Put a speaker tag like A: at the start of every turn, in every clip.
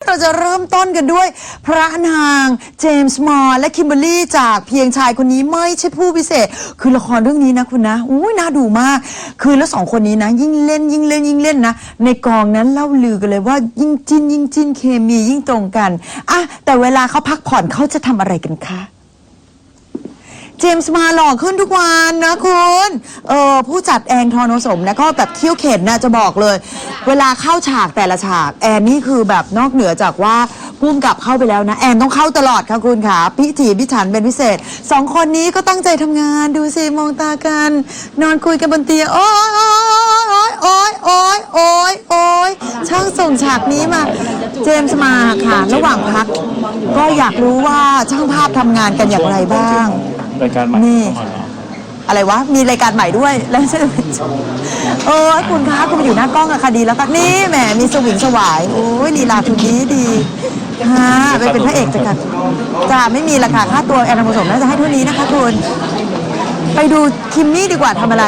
A: เราจะเริ่มต้นกันด้วยพระนางเจมส์มอร์และคิมเบอร์รี่จากเพียงชายคนนี้ไม่ใช่ผู้พิเศษคือละครเรื่องนี้นะคุณนะอุ้ยน่าดูมากคือแล้วสองคนนี้นะยิ่งเล่นนะในกองนั้นเล่าลือกันเลยว่ายิ่งจิ้นเคมียิ่งตรงกันอ่ะแต่เวลาเขาพักผ่อนเขาจะทำอะไรกันคะเจมส์มาหล่อขึ้นทุกวันนะคุณผู้จัดแอนทองโนสมนะก็แบบเขี้ยวเข็นนะจะบอกเลยเวลาเข้าฉากแต่ละฉากแอนนี่คือแบบนอกเหนือจากว่าพุ่งกลับเข้าไปแล้วนะแอนต้องเข้าตลอดค่ะคุณค่ะพิถีพิถันเป็นพิเศษสองคนนี้ก็ตั้งใจทำงานดูสิมองตากันนอนคุยกันบนเตียงโอ๊ยช่างส่งฉากนี้มาเจมส์มาค่ะระหว่างพักก็อยากรู้ว่าช่างภาพทำงานกันอย่างไรบ้าง
B: รายการใหม่
A: นี่อะไรวะมีรายการใหม่ด้วยแล้วใช่ไหมคุณคะคุณมาอยู่หน้ากล้องอะค่ะดีแล้วก็นี่แหมมีสวิงสวายโอ้ยลีลาทุนนี้ดีฮะไปเป็นพระเอกจะกันจะไม่มีราคาค่าตัวแอนนาผสมน่าจะให้เท่านี้นะคะคุณไปดูคิมมี่ดีกว่าทำอะไร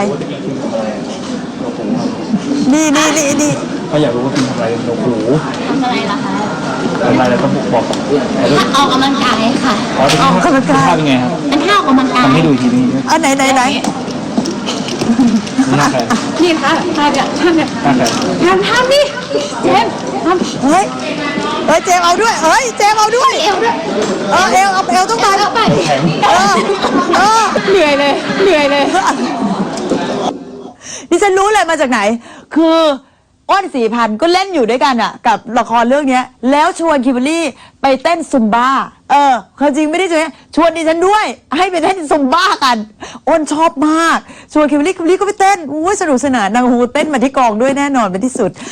A: นี่
B: ก็อยากรู้ว่าคุณทำอะไรโอ้โห
C: ทำอะไรล่ะคะ
B: ทำอะไรแล้วต้องบอก
C: ออกกำลังกายค่ะ
A: ออกกำลังกาย
B: เป็นไงครับ
C: เป็นท่าออกกำลังกาย
B: ทำให้ดูทีนี้
A: ไหน
C: นี่ค่ะท่าเนี่ยทำนี่เจม
A: เฮ้ยเจมเอาด้วยเจมเอาด้วย
C: เอวด้วย
A: เอวต้องไป
C: เหนื่อยเลย
A: ดิฉันรู้เลยมาจากไหนคืออ้นศรีพันธ์ก็เล่นอยู่ด้วยกันอ่ะกับละครเรื่องนี้แล้วชวนคิมเบอร์รี่ไปเต้นซุมบ้าความจริงไม่ได้ชวนดิฉันด้วยให้ไปเต้นซุมบ้ากันอ้นชอบมากชวนคิมเบอร์รี่ก็ไปเต้นสนุกสนานนางฮูเต้นมาที่กองด้วยแน่นอนเป็นที่สุด